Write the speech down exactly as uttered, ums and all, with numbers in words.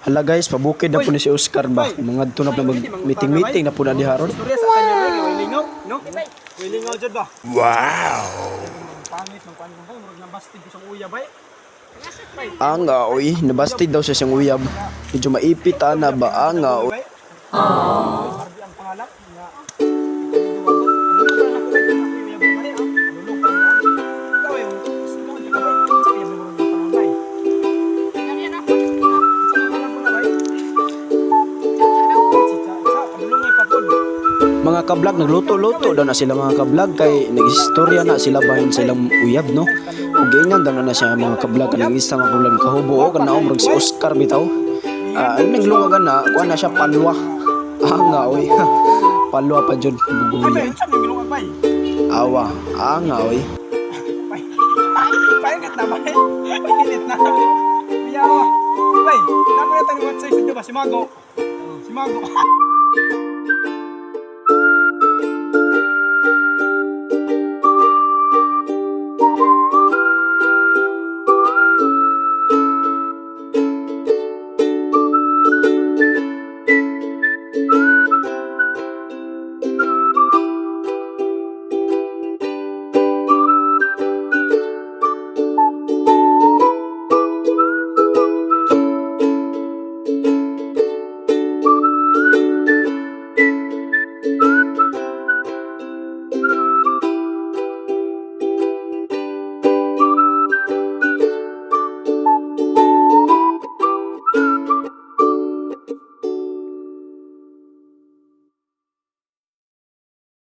Hala guys, pabukid na po ni si Oscar ba? Mga to na mag meeting-meeting na po na diharon. No? Wilingaw jud ba? Wow! Pangit ng paano kay murag nabastig ko sa uya bay. Anga oy, nabastid daw siya siyang uyab. Medyo maipit ana ba anga oy. Ah. Ang pangalap nga. Mga kablog nagluto-luto daw na sila mga kablog kay nagistorya na sila bahin sa ilang uyab no. Ug ganyan daw na siya mga kablog kanang isa mga kablog kahubo o kana umrog si Oscar bitaw. Ah, uh, naglungagan na kuha na siya palwa. Anga oy. Palwa pa jud bubuya. Awa, anga oy. Painit na ba? Painit na. Biyawa. Bay, naman na tayong WhatsApp sa ba si Mago. Si Mago.